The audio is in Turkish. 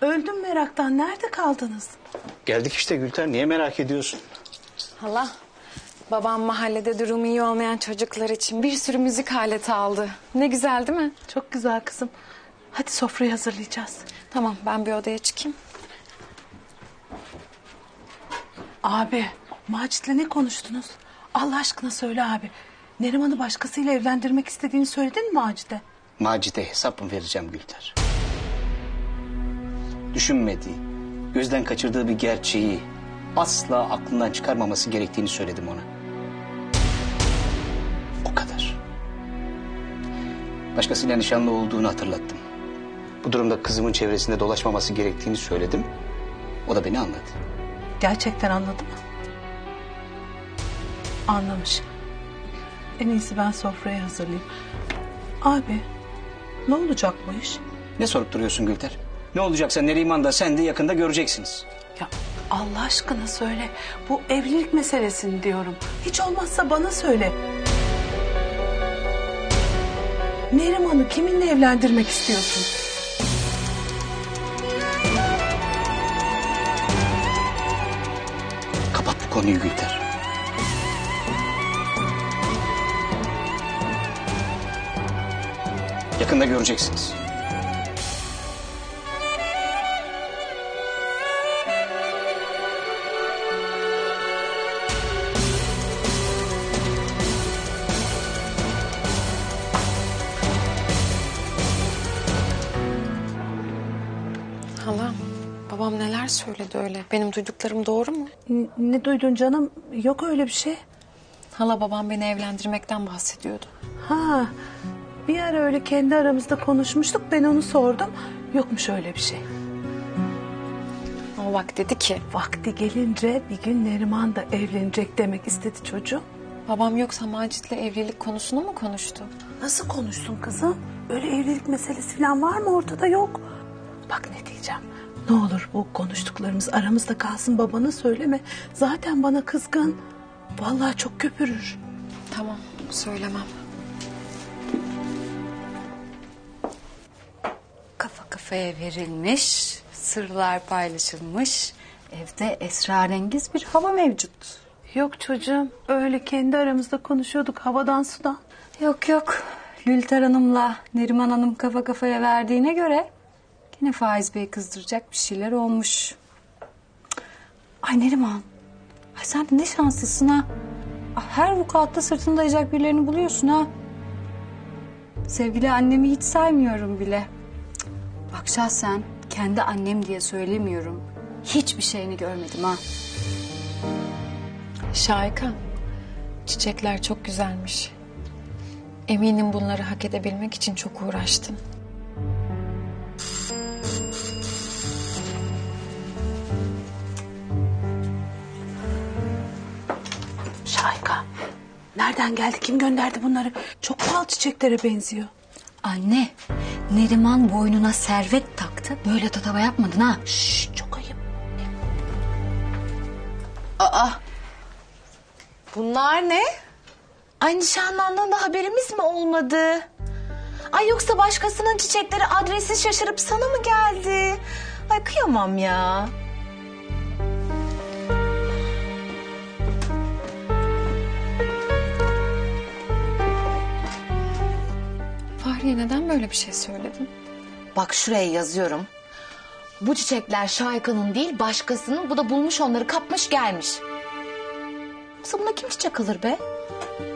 Öldüm meraktan. Nerede kaldınız? Geldik işte Gülter. Niye merak ediyorsun? Hala, babam mahallede durumu iyi olmayan çocuklar için bir sürü müzik aleti aldı. Ne güzel değil mi? Çok güzel kızım. Hadi sofrayı hazırlayacağız. Tamam, ben bir odaya çıkayım. Abi, Macit'le ne konuştunuz? Allah aşkına söyle abi. Neriman'ı başkasıyla evlendirmek istediğini söyledin mi Macit'e? Macit'e hesap mı vereceğim Gülter? Düşünmediği, gözden kaçırdığı bir gerçeği asla aklından çıkarmaması gerektiğini söyledim ona. O kadar. Başkasıyla nişanlı olduğunu hatırlattım. Bu durumda kızımın çevresinde dolaşmaması gerektiğini söyledim. O da beni anladı. Gerçekten anladı mı? Anlamış. En iyisi ben sofrayı hazırlayayım. Abi, ne olacak bu iş? Ne sorup duruyorsun Gülter? Ne olacaksa Neriman da sen de yakında göreceksiniz. Ya Allah aşkına söyle. Bu evlilik meselesini diyorum. Hiç olmazsa bana söyle. Neriman'ı kiminle evlendirmek istiyorsun? Kapat bu konuyu Gülter. Yakında göreceksiniz. Hala, babam neler söyledi öyle? Benim duyduklarım doğru mu? Ne duydun canım? Yok öyle bir şey. Hala, babam beni evlendirmekten bahsediyordu. Ha, bir ara öyle kendi aramızda konuşmuştuk. Ben onu sordum. Yokmuş öyle bir şey. Ama bak dedi ki, Vakti gelince bir gün Neriman da evlenecek demek istedi çocuğum. babam yoksa Macit'le evlilik konusunu mu konuştu? Nasıl konuşsun kızım? Öyle evlilik meselesi falan var mı ortada? Yok. Bak ne diyeceğim. Ne olur bu konuştuklarımız aramızda kalsın, babana söyleme. Zaten bana kızgın. Vallahi çok köpürür. Tamam, söylemem. Kafa kafaya verilmiş, sırlar paylaşılmış. Evde esrarengiz bir hava mevcut. Yok çocuğum, öyle kendi aramızda konuşuyorduk havadan sudan. Yok yok, Lülter Hanım'la Neriman Hanım kafa kafaya verdiğine göre... ...yine Faiz Bey kızdıracak bir şeyler olmuş. Ay Neriman, ay sen de ne şanslısın ha. Her vukuatta sırtını dayayacak birilerini buluyorsun ha. Sevgili annemi hiç saymıyorum bile. Bak şahsen kendi annem diye söylemiyorum. Hiçbir şeyini görmedim ha. Şahika, çiçekler çok güzelmiş. Eminim bunları hak edebilmek için çok uğraştın. Şahika, nereden geldi, kim gönderdi bunları? Çok pahalı çiçeklere benziyor. Anne, Neriman boynuna servet taktı. Böyle tatava yapmadın ha. Şşş, çok ayıp. Bunlar ne? Ay nişanlandığında haberimiz mi olmadı? Ay yoksa başkasının çiçekleri adresi şaşırıp sana mı geldi? Ay kıyamam ya. Fahriye, neden böyle bir şey söyledin? Bak şuraya yazıyorum. Bu çiçekler Şahika'nın değil başkasının. Bu da bulmuş onları kapmış gelmiş. Yoksa buna kim çiçek alır be?